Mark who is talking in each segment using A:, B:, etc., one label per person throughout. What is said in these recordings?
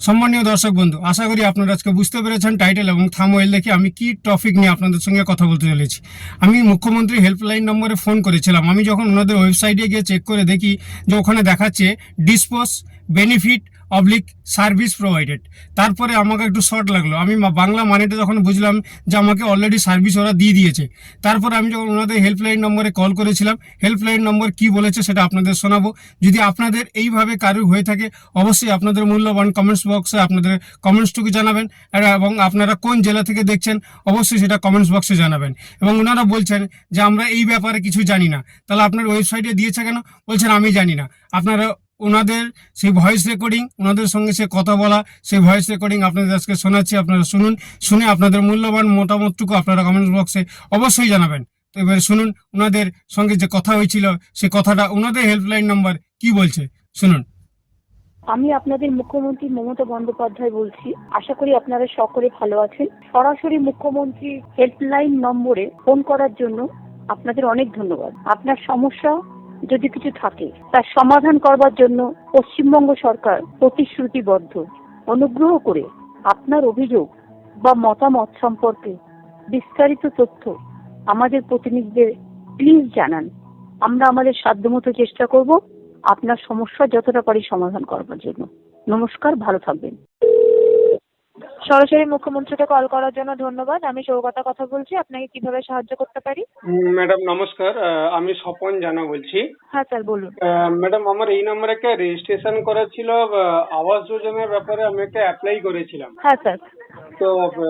A: সম্মানীয় দর্শক বন্ধু, আশা করি আপনারা আজকে বুঝতে পেরেছেন টাইটেল এবং থাম্বনেল দেখে আমি কি টপিক নিয়ে আপনাদের সঙ্গে কথা বলতে চলেছি। আমি মুখ্যমন্ত্রী হেল্পলাইন নম্বরে ফোন করেছিলাম। আমি যখন ওনাদের ওয়েবসাইটে গিয়ে চেক করে দেখি যে ওখানে দেখাচ্ছে dispose benefit oblique service provided. তারপরে আমাকে একটু শর্ট লাগলো। আমি বাংলা মানেটা যখন বুঝলাম যে আমাকে অলরেডি সার্ভিস ওরা দিয়ে দিয়েছে। তারপরে আমি যখন ওনাদের হেল্পলাইন নম্বরে কল করেছিলাম, হেল্পলাইন নম্বর কি বলেছে সেটা আপনাদের শোনাবো। যদি আপনাদের এইভাবে কারোর হয়ে থাকে, অবশ্যই আপনাদের মূল্যবান কমেন্টস বক্সে আপনাদের কমেন্টসটুকু জানাবেন। এবং আপনারা কোন জেলা থেকে দেখছেন অবশ্যই সেটা কমেন্টস বক্সে জানাবেন। এবং ওনারা বলছেন যে আমরা এই ব্যাপারে কিছু জানি না। তাহলে আপনার ওয়েবসাইটে দিয়েছে কেন? বলছেন আমি জানি না। আপনারা ওনাদের সেই ভয়েস রেকর্ডিং, ওনাদের সঙ্গে সে কথা বলা, সেই ভয়েস রেকর্ডিং আপনাদের আজকে শোনাচ্ছি। আপনারা শুনুন, শুনে আপনাদের মূল্যবান মতামতটুকু আপনারা কমেন্টস বক্সে অবশ্যই জানাবেন। তো এবারে শুনুন ওনাদের সঙ্গে যে কথা হয়েছিল, সে কথাটা ওনাদের হেল্পলাইন নাম্বার কি বলছে, শুনুন।
B: আমি আপনাদের মুখ্যমন্ত্রী মমতা বন্দ্যোপাধ্যায় বলছি। আশা করি আপনারা সকলে ভালো আছেন। সরাসরি মুখ্যমন্ত্রী হেল্পলাইন নম্বরে ফোন করার জন্য আপনাদের অনেক ধন্যবাদ। আপনার সমস্যা যদি কিছু থাকে তার সমাধান করবার জন্য পশ্চিমবঙ্গ সরকার প্রতিশ্রুতিবদ্ধ। অনুগ্রহ করে আপনার অভিযোগ বা মতামত সম্পর্কে বিস্তারিত তথ্য আমাদের প্রতিনিধিদের প্লিজ জানান। আমরা আমাদের সাধ্যমতো চেষ্টা করব আপনার সমস্যা যতটা পারি সমাধান করবার জন্য। নমস্কার, ভালো থাকবেন। সরাসরি মুখ্যমন্ত্রীকে কল করার জন্য ধন্যবাদ। আমি সৌগতা কথা বলছি। আপনাকে কিভাবে সাহায্য করতে পারি?
A: ম্যাডাম নমস্কার, আমি স্বপন জানা বলছি।
B: হ্যাঁ স্যার, বলুন।
A: ম্যাডাম, আমার এই নম্বরে একটা রেজিস্ট্রেশন করা ছিল। আবাস যোজনার ব্যাপারে আমি একটা অ্যাপ্লাই করেছিলাম।
B: হ্যাঁ স্যার।
A: তো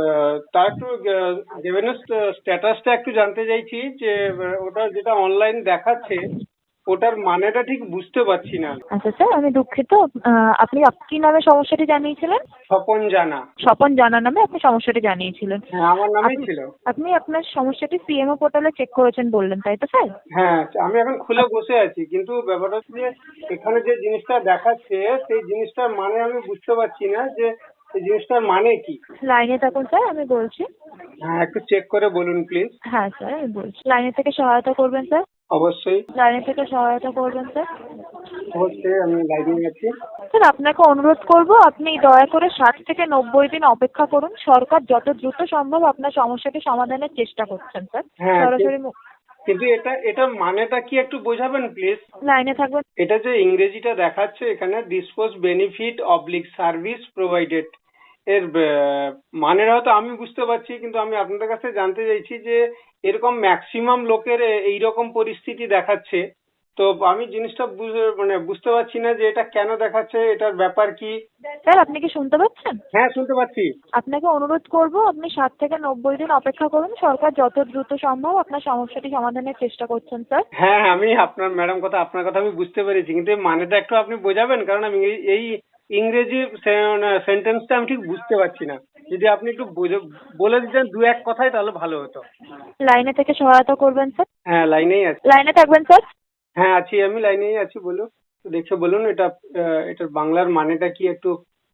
A: তার একটু দেবেন স্ট্যাটাসটা একটু জানতে চাইছি যে ওটা যেটা অনলাইন দেখাচ্ছে ওটার মানেটা ঠিক বুঝতে পারছি না।
B: আচ্ছা স্যার, আমি দুঃখিত। আপনি কি নামে সমস্যাটি জানিয়েছিলেন?
A: স্বপন জানা।
B: স্বপন জানা নামে আপনি সমস্যাটি জানিয়েছিলেন।
A: হ্যাঁ, আমার নামেই ছিল।
B: আপনি আপনার সমস্যাটি সিএমও পোর্টালে চেক করেছেন বললেন, তাই তো স্যার?
A: হ্যাঁ, আমি এখন খুলে বসে আছি, কিন্তু ব্যাপারটা হচ্ছে যে এখানে যে জিনিসটা দেখাচ্ছে সেই জিনিসটার মানে আমি বুঝতে পারছি না যে এই জিনিসটার মানে কি।
B: লাইনে থাকুন স্যার, আমি বলছি।
A: হ্যাঁ, একটু চেক করে বলুন প্লিজ।
B: হ্যাঁ স্যার, আমি বলছি। লাইনে থেকে সহায়তা করবেন স্যার।
A: অবশ্যই
B: লাইনে থেকে সহায়তা করবেন স্যার।
A: অবশ্যই, আমি লাইনে আছি।
B: স্যার, আপনাকে অনুরোধ করব আপনি দয়া করে 60 থেকে 90 দিন অপেক্ষা করুন। সরকার যত দ্রুত সম্ভব আপনার সমস্যাটি সমাধানের চেষ্টা করছেন স্যার।
A: হ্যাঁ,
B: সরাসরি
A: কিন্তু এটা মানেটা কি একটু বোঝাবেন প্লিজ?
B: লাইনে থাকবেন।
A: এটা যে ইংরেজিটা দেখাচ্ছে এখানে dispose benefit oblique service provided, এর মানেটা হয়তো আমি বুঝতে পারছি, কিন্তু আমি আপনাদের কাছে জানতে চাইছি যে এরকম ম্যাক্সিমাম লোকের এইরকম পরিস্থিতি দেখাচ্ছে। তো আমি জিনিসটা বুঝতে পারছি না যে এটা কেন দেখাচ্ছে, এটার ব্যাপার কি।
B: স্যার, আপনি কি শুনতে পাচ্ছেন?
A: হ্যাঁ, শুনতে পাচ্ছি।
B: আপনাকে অনুরোধ করব আপনি 60 থেকে 90 দিন অপেক্ষা করুন। সরকার যত দ্রুত সম্ভব আপনার সমস্যাটি সমাধানের চেষ্টা করছেন স্যার।
A: হ্যাঁ, আমি আপনার কথা আমি বুঝতে পেরেছি, কিন্তু এই মানেটা একটু আপনি বোঝাবেন, কারণ আমি এই ইংরেজি সেন্টেন্সটা আমি ঠিক বুঝতে পারছি না। যদি আপনি একটু বলে দিতেন দু এক কথায় তাহলে ভালো হতো।
B: লাইনে থেকে সহায়তা করবেন স্যার।
A: হ্যাঁ, লাইনেই আছি।
B: লাইনে থাকবেন স্যার।
A: হ্যাঁ আছি, আমি লাইনেই আছি। বলুন, দেখে বলুন এটার বাংলার মানেটা কি একটু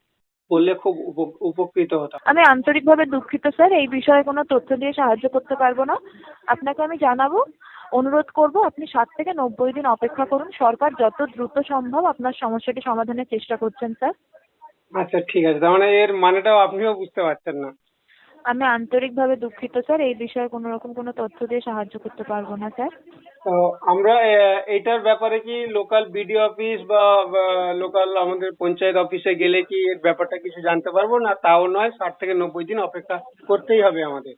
A: বললে খুব উপকৃত হতাম।
B: আমি আন্তরিকভাবে দুঃখিত স্যার, এই বিষয়ে কোনো তথ্য দিয়ে সাহায্য করতে পারবো না। আপনাকে আমি জানাবো। অনুরোধ করব আপনি 60 থেকে 90 দিন অপেক্ষা করুন। সরকার যত দ্রুত সম্ভব আপনার সমস্যাটি সমাধানের চেষ্টা করছেন স্যার।
A: আচ্ছা, ঠিক আছে। তার মানে এর মানেটাও আপনিও বুঝতে পারছেন না?
B: আমি আন্তরিকভাবে দুঃখিত স্যার, এই বিষয়ে কোনো রকম কোনো তথ্য দিয়ে সাহায্য করতে পারবো না স্যার।
A: তো আমরা এইটার ব্যাপারে কি লোকাল বিডিও অফিস বা লোকাল আমাদের পঞ্চায়েত অফিসে গেলে কি এর ব্যাপারটা কিছু জানতে পারবো না? তাও নয়, 60 থেকে 90 দিন অপেক্ষা করতেই হবে আমাদের?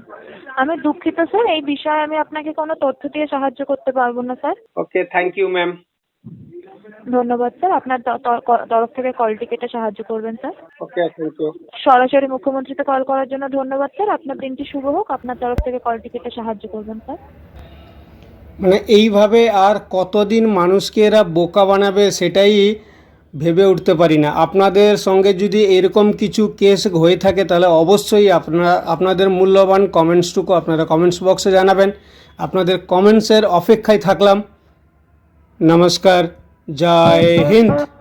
B: আমি দুঃখিত স্যার, এই বিষয়ে আমি আপনাকে কোনো তথ্য দিয়ে সাহায্য করতে পারবো না sir.
A: Okay, thank you ma'am.
B: ধন্যবাদ স্যার। আপনার তরফ থেকে কলটি কেটে সাহায্য করবেন স্যার।
A: Okay, thank you.
B: সরাসরি মুখ্যমন্ত্রীতে কল করার জন্য ধন্যবাদ স্যার। আপনার দিনটি শুভ হোক। আপনার তরফ থেকে কলটি কেটে সাহায্য করবেন স্যার।
A: মানে এইভাবে আর কতদিন মানুষকে এরা বোকা বানাবে সেটাই ভেবে উঠতে পারি না। আপনাদের সঙ্গে যদি এরকম কিছু কেস হয়ে থাকে তাহলে অবশ্যই আপনাদের মূল্যবান কমেন্টসটুকু আপনারা কমেন্টস বক্সে জানাবেন। আপনাদের কমেন্টসের অপেক্ষায় থাকলাম। নমস্কার, জয় হিন্দ।